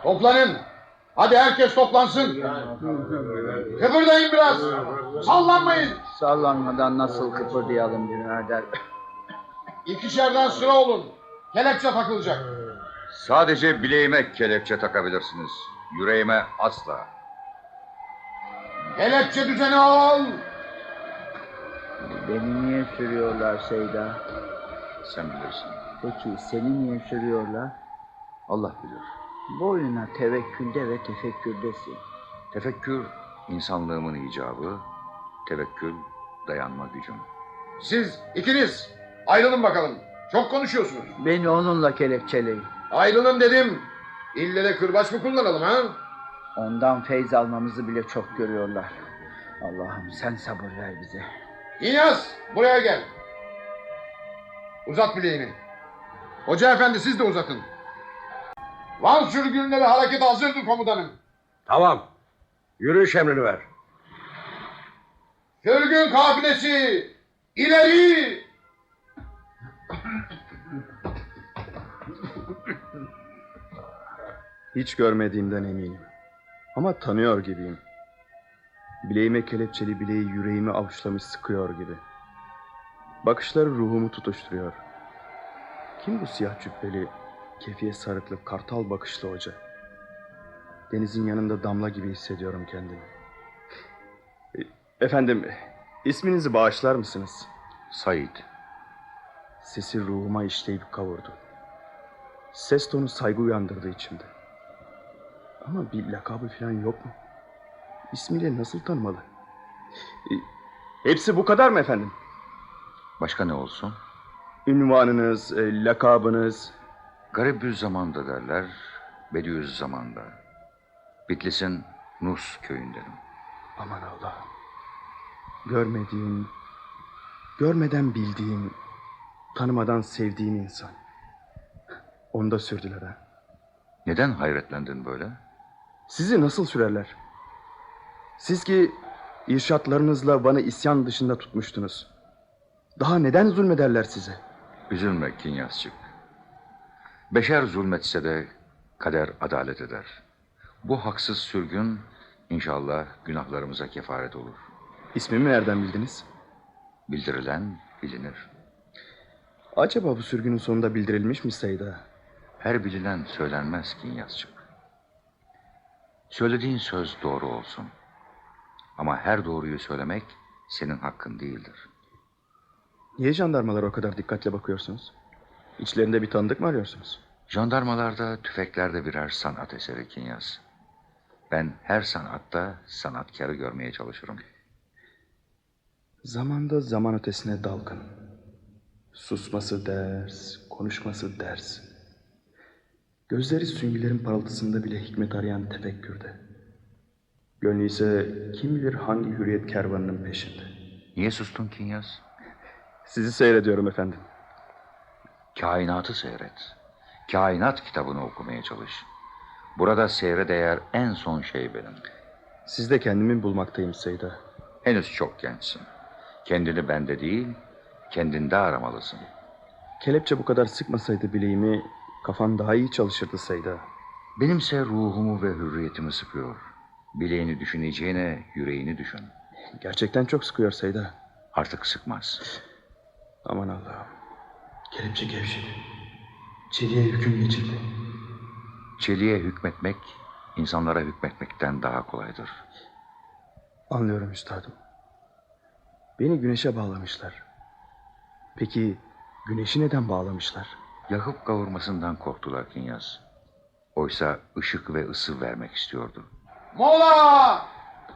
Toplanın. Hadi herkes toplansın. Kıpırdayın biraz. Sallanmayın. Sallanmadan nasıl kıpırdayalım birader? İkişerden sıra olun. Kelepçe takılacak. Sadece bileğime kelepçe takabilirsiniz. Yüreğime asla. Kelepçe düzeni al. Beni niye sürüyorlar Seyda? Sen bilirsin. Peki seni niye sürüyorlar? Allah bilir. Boyuna tevekkülde ve tefekkürdesin. Tefekkür insanlığımın icabı, tevekkül dayanma gücüm. Siz ikiniz ayrılın bakalım. Çok konuşuyorsunuz. Beni onunla kelepçeleyin. Ayrılın dedim. İlle de kırbaç mı kullanalım ha? Ondan feyz almamızı bile çok görüyorlar. Allah'ım sen sabır ver bize. İlyas buraya gel. Uzat bileğini. Hoca efendi siz de uzatın. Van sürgünleri hareket hazırdır komutanım. Tamam. Yürüyüş emrini ver. Sürgün kafilesi ileri. Hiç görmediğimden eminim. Ama tanıyor gibiyim. Bileğime kelepçeli bileği yüreğimi avuçlamış sıkıyor gibi. Bakışları ruhumu tutuşturuyor. Kim bu siyah cübbeli, kefiye sarıklı, kartal bakışlı hoca? Denizin yanında damla gibi hissediyorum kendimi. Efendim, isminizi bağışlar mısınız? Said. Sesi ruhuma işleyip kavurdu. Ses tonu saygı uyandırdı içimde. Ama bir lakabı falan yok mu? İsmiyle nasıl tanımalı? Hepsi bu kadar mı efendim? Başka ne olsun? Ünvanınız, lakabınız. Garibüzzaman'da derler, Bediüzzaman'da. Bitlis'in Nus köyündenim. Aman Allah'ım. Görmediğim, görmeden bildiğim, tanımadan sevdiğim insan. Onu da sürdüler ha. Neden hayretlendin böyle? Sizi nasıl sürerler? Siz ki irşatlarınızla bana isyan dışında tutmuştunuz. Daha neden zulmederler size? Üzülme Kinyasçık. Beşer zulmetse de kader adalet eder. Bu haksız sürgün inşallah günahlarımıza kefaret olur. İsmimi nereden bildiniz? Bildirilen bilinir. Acaba bu sürgünün sonunda bildirilmiş mi Seyda? Her bilinen söylenmez Kinyasçık. Söylediğin söz doğru olsun. Ama her doğruyu söylemek senin hakkın değildir. Niye jandarmalara o kadar dikkatle bakıyorsunuz? İçlerinde bir tanıdık mı arıyorsunuz? Jandarmalarda, tüfeklerde birer sanat eseri Kinyas. Ben her sanatta sanatkarı görmeye çalışırım. Zamanda zaman ötesine dalgın. Susması ders, konuşması ders. Gözleri süngülerin parıltısında bile hikmet arayan tefekkürde. Gönlü ise kim bilir hangi hürriyet kervanının peşinde. Niye sustun Kinyas? Sizi seyrediyorum efendim. Kainatı seyret. Kainat kitabını okumaya çalış. Burada seyre değer en son şey benim. Sizde kendimi bulmaktayım Seyda. Henüz çok gençsin. Kendini bende değil, kendinde aramalısın. Kelepçe bu kadar sıkmasaydı bileğimi, kafan daha iyi çalışırdı Seyda. Benimse ruhumu ve hürriyetimi sıkıyor. Bileğini düşüneceğine yüreğini düşün. Gerçekten çok sıkıyor Seyda. Artık sıkmaz. Aman Allah'ım. Kelepçe gevşedi. Çeliğe hüküm geçirdi. Çeliğe hükmetmek, insanlara hükmetmekten daha kolaydır. Anlıyorum üstadım. Beni güneşe bağlamışlar. Peki güneşi neden bağlamışlar? Yakıp kavurmasından korktular Kinyas. Oysa ışık ve ısı vermek istiyordu. Mola!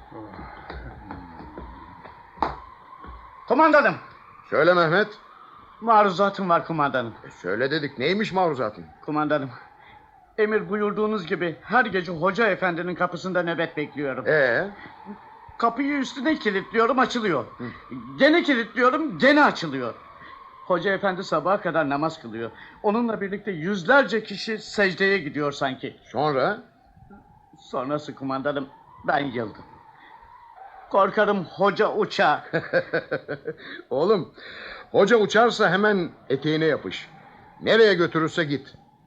Kumandanım. Söyle Mehmet. Maruzatım var kumandanım. Söyle dedik. Neymiş maruzatın? Kumandanım. Emir buyurduğunuz gibi her gece hoca efendinin kapısında nöbet bekliyorum. Kapıyı üstüne kilitliyorum, açılıyor. Gene kilitliyorum, gene açılıyor. Hoca efendi sabaha kadar namaz kılıyor. Onunla birlikte yüzlerce kişi secdeye gidiyor sanki. Sonra? Sonrası kumandanım, ben yıldım. Korkarım hoca uçar. Oğlum, hoca uçarsa hemen eteğine yapış. Nereye götürürse git.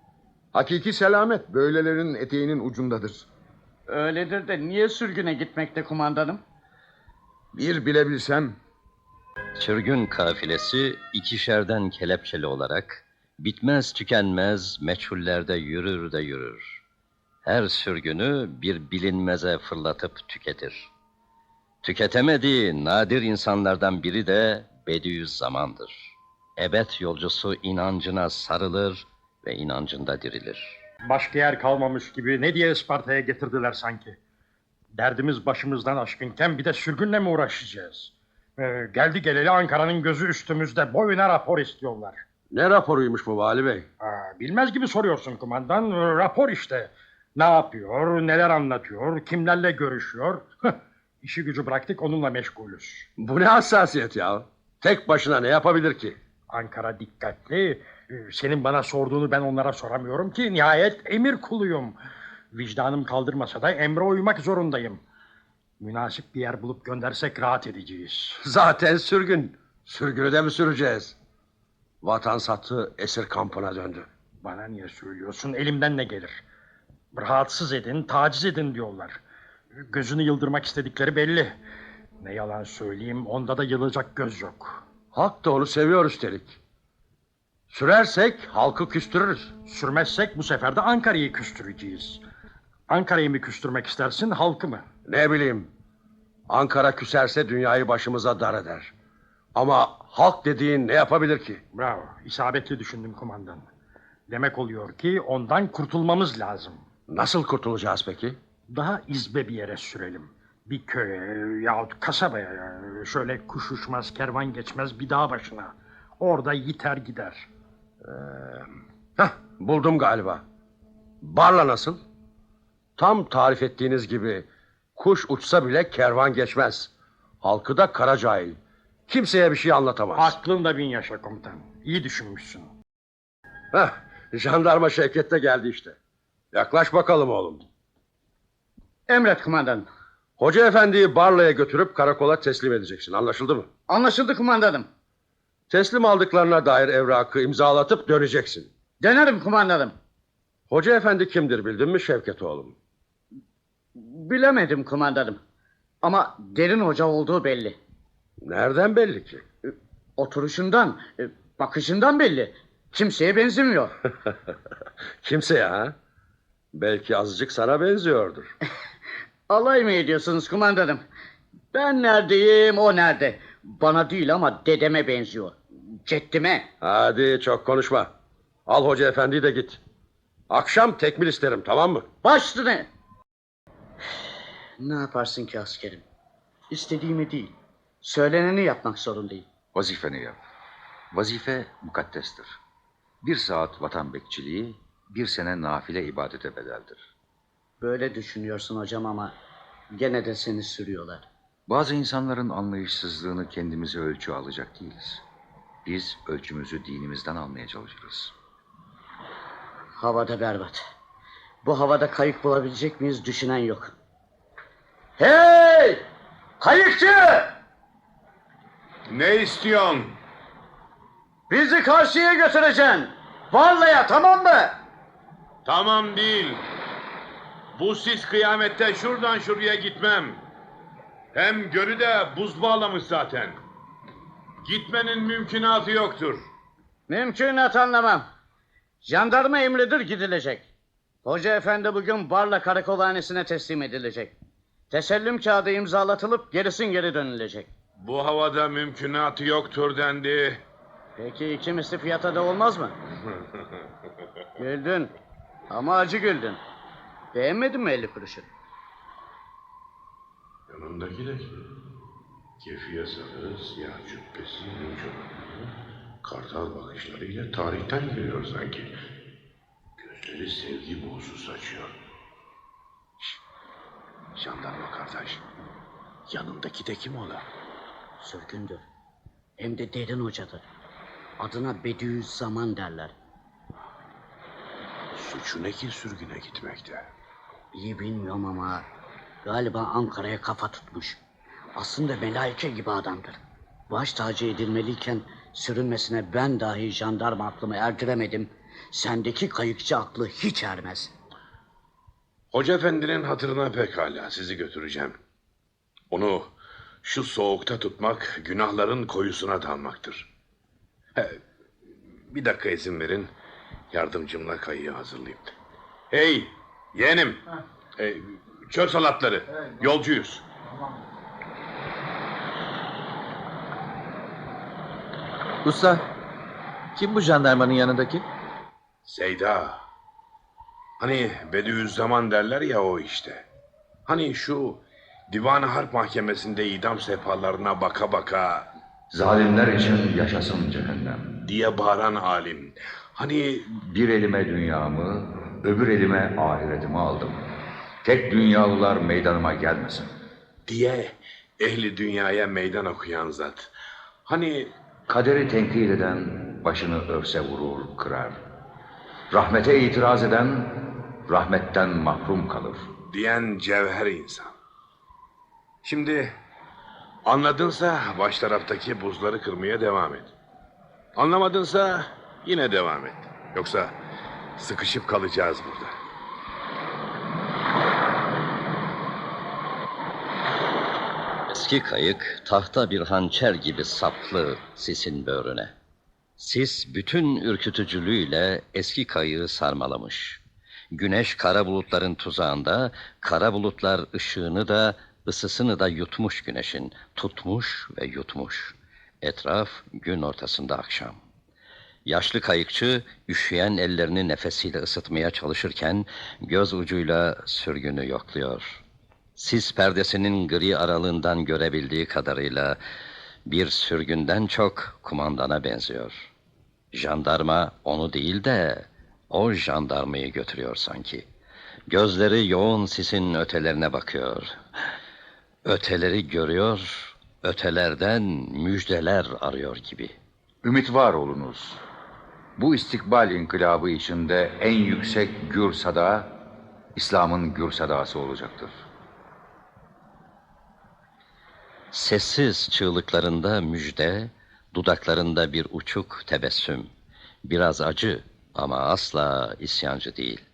Hakiki selamet böylelerin eteğinin ucundadır. Öyledir de niye sürgüne gitmekte kumandanım? Bir bilebilsem. Sürgün kafilesi ikişerden kelepçeli olarak bitmez tükenmez meçhullerde yürür de yürür. Her sürgünü bir bilinmeze fırlatıp tüketir. Tüketemediği nadir insanlardan biri de Bediüzzaman'dır. Ebed yolcusu inancına sarılır ve inancında dirilir. Başka yer kalmamış gibi ne diye Isparta'ya getirdiler sanki. Derdimiz başımızdan aşkınken bir de sürgünle mi uğraşacağız? Geldi geleli Ankara'nın gözü üstümüzde, boyuna rapor istiyorlar. Ne raporuymuş bu Vali Bey? Bilmez gibi soruyorsun kumandan. Rapor işte. Ne yapıyor, neler anlatıyor, kimlerle görüşüyor. İşi gücü bıraktık, onunla meşgulüz. Bu ne hassasiyet ya? Tek başına ne yapabilir ki? Ankara dikkatli. Senin bana sorduğunu ben onlara soramıyorum ki. Nihayet emir kuluyum. Vicdanım kaldırmasa da emre uymak zorundayım. Münasip bir yer bulup göndersek rahat edeceğiz. Zaten sürgün. Sürgünü de mi süreceğiz? Vatan sattı, esir kampına döndü. Bana niye söylüyorsun? Elimden ne gelir? Rahatsız edin, taciz edin diyorlar. Gözünü yıldırmak istedikleri belli. Ne yalan söyleyeyim, onda da yılacak göz yok. Halk da onu seviyor üstelik. Sürersek halkı küstürürüz. Sürmezsek bu sefer de Ankara'yı küstüreceğiz. Ankara'yı mı küstürmek istersin, halkı mı? Ne bileyim. Ankara küserse dünyayı başımıza dar eder. Ama halk dediğin ne yapabilir ki? Bravo, isabetli düşündüm kumandan. Demek oluyor ki ondan kurtulmamız lazım. Nasıl kurtulacağız peki? Daha izbe bir yere sürelim. Bir köye yahut kasabaya, şöyle kuş uçmaz, kervan geçmez bir dağ başına. Orada yiter gider. Buldum galiba. Barla nasıl? Tam tarif ettiğiniz gibi kuş uçsa bile kervan geçmez. Halkı da kara cahil. Kimseye bir şey anlatamaz. Aklında bin yaşa komutan. İyi düşünmüşsün. Jandarma Şevket de geldi işte. Yaklaş bakalım oğlum. Emret kumandanım. Hoca efendiyi Barla'ya götürüp karakola teslim edeceksin. Anlaşıldı mı? Anlaşıldı kumandanım. Teslim aldıklarına dair evrakı imzalatıp döneceksin. Dönerim kumandanım. Hoca efendi kimdir bildin mi Şevket oğlum? Bilemedim kumandanım. Ama derin hoca olduğu belli. Nereden belli ki? Oturuşundan, bakışından belli. Kimseye benzemiyor. Kimseye ha? Belki azıcık sana benziyordur. Alay mı ediyorsunuz kumandanım? Ben neredeyim, o nerede? Bana değil ama dedeme benziyor. Ceddime. Hadi çok konuşma. Al hoca efendiyi de git. Akşam tekmil isterim, tamam mı? Baş üstüne. Ne yaparsın ki askerim? İstediğimi değil, söyleneni yapmak zorundayım. Vazifeni yap. Vazife mukaddestir. 1 saat vatan bekçiliği, 1 sene nafile ibadete bedeldir. Böyle düşünüyorsun hocam ama gene de seni sürüyorlar. Bazı insanların anlayışsızlığını kendimize ölçü alacak değiliz. Biz ölçümüzü dinimizden almaya çalışırız. Havada berbat. Bu havada kayık bulabilecek miyiz düşünen yok. Hey! Kayıkçı! Ne istiyorsun? Bizi karşıya götüreceksin. Varlaya, tamam mı? Tamam değil. Bu sis kıyamette şuradan şuraya gitmem. Hem gölü de buz bağlamış zaten. Gitmenin mümkünatı yoktur. Mümkünat anlamam. Jandarma emridir gidilecek. Hoca efendi bugün Barla karakolhanesine teslim edilecek. Tesellüm kağıdı imzalatılıp gerisin geri dönülecek. Bu havada mümkünatı yoktur dendi. Peki iki misli fiyata da olmaz mı? Güldün. Ama acı güldün. Beğenmedin mi 50 kuruşu? Yanındaki de kim? Kefiye sarı, siyah cübbesi, çorapları, kartal bakışlarıyla tarihten geliyor sanki. Gözleri sevgi buğusu saçıyor. Jandarma kardeş. Yanındaki de kim ola? Sürgündür. Hem de derin hocadır. Adına Bediüzzaman derler. Suçu ne ki sürgüne gitmekte? İyi bilmiyorum ama galiba Ankara'ya kafa tutmuş. Aslında melaike gibi adamdır. Baş tacı edilmeliyken sürünmesine ben dahi jandarma aklımı erdiremedim. Sendeki kayıkçı aklı hiç ermez. Hoca efendinin hatırına pekala sizi götüreceğim. Onu şu soğukta tutmak günahların koyusuna dalmaktır. Bir dakika izin verin. Yardımcımla kayığı hazırlayayım. Hey yeğenim. Çöl salatları. Yolcuyuz. Usta, kim bu jandarmanın yanındaki? Seyda. Hani Bediüzzaman derler ya o işte. Hani şu Divan-ı Harp Mahkemesi'nde idam sehpalarına baka baka Zalimler için yaşasın cehennem diye bağıran alim. Hani bir elime dünyamı, öbür elime ahiretimi aldım. Tek dünyalılar meydanıma gelmesin diye ehli dünyaya meydan okuyan zat. Hani kaderi tenkit eden başını örse vurur, kırar. Rahmete itiraz eden rahmetten mahrum kalır diyen cevher insan. Şimdi anladınsa baş taraftaki buzları kırmaya devam et. Anlamadınsa yine devam et. Yoksa sıkışıp kalacağız burada. Eski kayık tahta bir hançer gibi saplı sisin böğrüne. Sis bütün ürkütücülüğüyle eski kayığı sarmalamış. Güneş kara bulutların tuzağında, kara bulutlar ışığını da ısısını da yutmuş güneşin. Tutmuş ve yutmuş. Etraf gün ortasında akşam. Yaşlı kayıkçı üşüyen ellerini nefesiyle ısıtmaya çalışırken göz ucuyla sürgünü yokluyor. Sis perdesinin gri aralığından görebildiği kadarıyla bir sürgünden çok kumandana benziyor. Jandarma onu değil de o jandarmayı götürüyor sanki. Gözleri yoğun sisin ötelerine bakıyor. Öteleri görüyor, ötelerden müjdeler arıyor gibi. Ümit var olunuz. Bu istikbal inkılabı içinde en yüksek gür sada, İslam'ın gür sadası olacaktır. Sessiz çığlıklarında müjde, dudaklarında bir uçuk tebessüm. Biraz acı ama asla isyancı değil.